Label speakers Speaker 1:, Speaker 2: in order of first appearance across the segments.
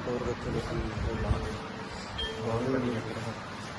Speaker 1: ਹੋਰ ਬੱਚੇ ਦੇ ਸੀ ਬਹੁਤ ਵੱਡੀ ਘਟਨਾ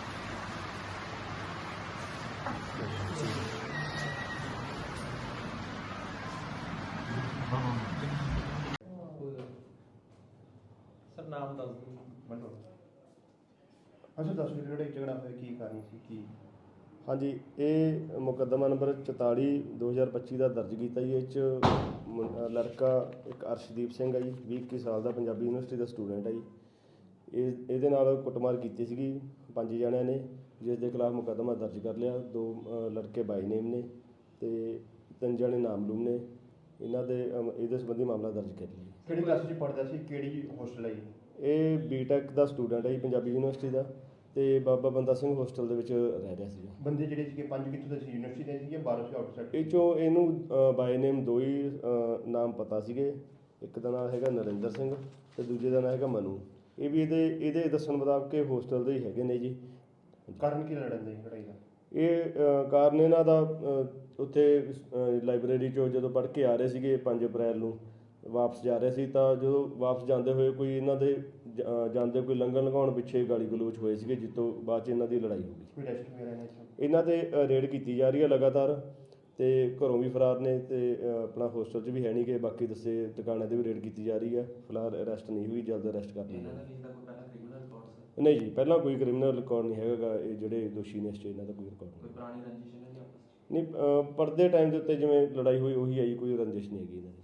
Speaker 2: सर नाम दस दो।
Speaker 3: अच्छा दस मिनट झगड़ा होया की कारण सी की?
Speaker 4: हाँ जी, ये मुकदमा नंबर 44 2025 का दर्ज किया जी। लड़का एक अर्शदीप सिंह है जी, 20-21 साल का, पंजाबी यूनिवर्सिटी का स्टूडेंट है जी। ये कुटमार की सी 5 जणियां ने, जिस दे खिलाफ मुकदमा दर्ज कर लिया। 2 लड़के बाई नेम ने ते 3 जणे नामलूम ने। इन्हां दे इहदे संबंधी मामला दर्ज कर लिया।
Speaker 3: किहड़ी क्लास च पढ़दा सी, किहड़ी होस्टल है?
Speaker 4: ये बीटैक का स्टूडेंट है जी, पंजाबी यूनिवर्सिटी का, ਤੇ ਬਾਬਾ ਬੰਦਾ ਸਿੰਘ ਹੋਸਟਲ ਦੇ ਵਿੱਚ ਰਹਿ ਰਿਹਾ ਸੀ।
Speaker 3: ਬੰਦੇ ਜਿਹੜੇ ਸੀਗੇ 5 ਕਿੱਥੋਂ ਦੇ ਸੀ, ਯੂਨੀਵਰਸਿਟੀ ਦੇ ਸੀਗੇ, ਬਾਹਰੋਂ ਸੀ ਆਊਟਸਾਈਡ?
Speaker 4: ਇਹ ਚੋਂ ਇਹਨੂੰ ਬਾਈ ਨੇਮ 2 ਹੀ ਨਾਮ ਪਤਾ ਸੀਗੇ। ਇੱਕ ਦਾ ਨਾਮ ਹੈਗਾ ਨਰਿੰਦਰ ਸਿੰਘ ਤੇ ਦੂਜੇ ਦਾ ਨਾਮ ਹੈਗਾ ਮਨੂ। ਇਹ ਵੀ ਇਹਦੇ ਦੱਸਣ ਮੁਤਾਬਕ ਇਹ ਹੋਸਟਲ ਦੇ ਹੀ ਹੈਗੇ ਨੇ ਜੀ।
Speaker 3: ਕਾਰਨ ਕੀ ਲੜਨ ਦੀ ਲੜਾਈ ਦਾ?
Speaker 4: ਇਹ ਕਾਰਨ ਇਹਨਾਂ ਦਾ ਉੱਥੇ ਲਾਇਬ੍ਰੇਰੀ 'ਚੋਂ ਜਦੋਂ ਪੜ੍ਹ ਕੇ ਆ ਰਹੇ ਸੀਗੇ 5 ਅਪ੍ਰੈਲ ਨੂੰ ਵਾਪਸ ਜਾ ਰਹੇ ਸੀ, ਤਾਂ ਜਦੋਂ ਵਾਪਸ ਜਾਂਦੇ ਹੋਏ ਕੋਈ ਇਹਨਾਂ ਦੇ ਜਾਂਦੇ ਕੋਈ ਲੰਘਣ ਲਗਾਉਣ ਪਿੱਛੇ ਗਾਲੀ ਗਲੋਚ ਹੋਏ ਸੀਗੇ, ਜਿਸ ਤੋਂ ਬਾਅਦ 'ਚ ਇਹਨਾਂ ਦੀ ਲੜਾਈ ਹੋ ਗਈ।
Speaker 3: ਕੋਈ ਰੈਸਟ ਵਗੈਰਾ ਇਹਨਾਂ 'ਚ?
Speaker 4: ਇਹਨਾਂ 'ਤੇ ਰੇਡ ਕੀਤੀ ਜਾ ਰਹੀ ਹੈ ਲਗਾਤਾਰ, ਤੇ ਘਰੋਂ ਵੀ ਫਰਾਰ ਨੇ ਤੇ ਆਪਣਾ ਹੋਸਟਲ 'ਚ ਵੀ ਹੈ ਨਹੀਂ ਕਿ ਬਾਕੀ ਦੱਸੇ ਟਿਕਾਣਿਆਂ 'ਤੇ ਵੀ ਰੇਡ ਕੀਤੀ ਜਾ ਰਹੀ ਹੈ। ਫਿਲਹਾਲ ਅਰੈਸਟ ਨਹੀਂ ਹੋਈ, ਜਲਦ ਅਰੈਸਟ ਕਰ ਲਈ ਜਾਵੇ। ਨਹੀਂ ਜੀ, ਪਹਿਲਾਂ ਕੋਈ ਕ੍ਰਿਮੀਨਲ ਰਿਕਾਰਡ ਨਹੀਂ ਹੈਗਾ। ਇਹ ਜਿਹੜੇ ਦੋਸ਼ੀ ਨੇ ਇਸ 'ਚ ਇਹਨਾਂ ਦਾ ਕੋਈ ਰਿਕਾਰਡ ਨਹੀਂ।
Speaker 2: ਪੁਰਾਣੀ ਰੰਜਿਸ਼ ਹੈ ਜੀ ਆਪਸ
Speaker 4: ਨਹੀਂ, ਪੜ੍ਹਦੇ ਟਾਈਮ ਦੇ ਉੱਤੇ ਜਿਵੇਂ ਲੜਾਈ ਹੋਈ ਉਹੀ ਆਈ, ਕੋਈ ਰੰਜਿਸ਼ ਨਹੀਂ ਹੈਗੀ ਇਹਨਾਂ ਦੀ।